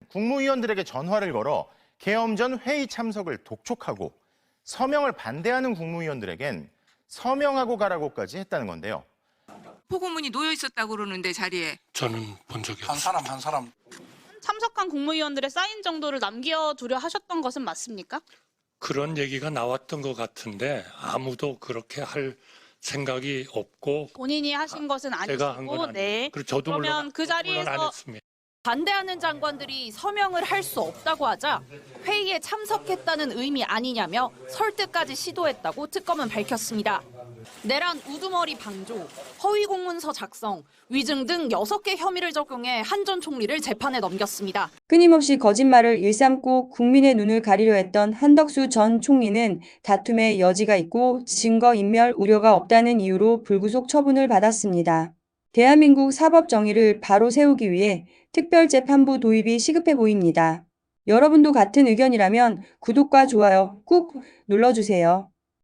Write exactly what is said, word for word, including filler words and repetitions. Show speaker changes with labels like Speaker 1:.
Speaker 1: 국무위원들에게 전화를 걸어 개엄 전 회의 참석을 독촉하고 서명을 반대하는 국무위원들에겐 서명하고 가라고까지 했다는 건데요.
Speaker 2: 포고문이 놓여 있었다고 그러는데 자리에.
Speaker 3: 저는 본 적이
Speaker 4: 한
Speaker 3: 없습니다.
Speaker 4: 사람 한 사람.
Speaker 5: 참석한 국무위원들의 사인 정도를 남겨두려 하셨던 것은 맞습니까?
Speaker 3: 그런 얘기가 나왔던 것 같은데 아무도 그렇게 할 생각이 없고
Speaker 5: 본인이 하신 것은
Speaker 3: 제가 한 건
Speaker 5: 아니시고,
Speaker 3: 아니고
Speaker 5: 네.
Speaker 3: 그리고 저도
Speaker 5: 그러면
Speaker 3: 물론,
Speaker 5: 그
Speaker 3: 저도 물론 안
Speaker 5: 자리에서
Speaker 3: 했습니다.
Speaker 6: 반대하는 장관들이 서명을 할 수 없다고 하자 회의에 참석했다는 의미 아니냐며 설득까지 시도했다고 특검은 밝혔습니다. 내란 우두머리 방조, 허위 공문서 작성, 위증 등 여섯 개 혐의를 적용해 한 전 총리를 재판에 넘겼습니다.
Speaker 7: 끊임없이 거짓말을 일삼고 국민의 눈을 가리려 했던 한덕수 전 총리는 다툼의 여지가 있고 증거인멸 우려가 없다는 이유로 불구속 처분을 받았습니다. 대한민국 사법 정의를 바로 세우기 위해 특별재판부 도입이 시급해 보입니다. 여러분도 같은 의견이라면 구독과 좋아요 꾹 눌러주세요.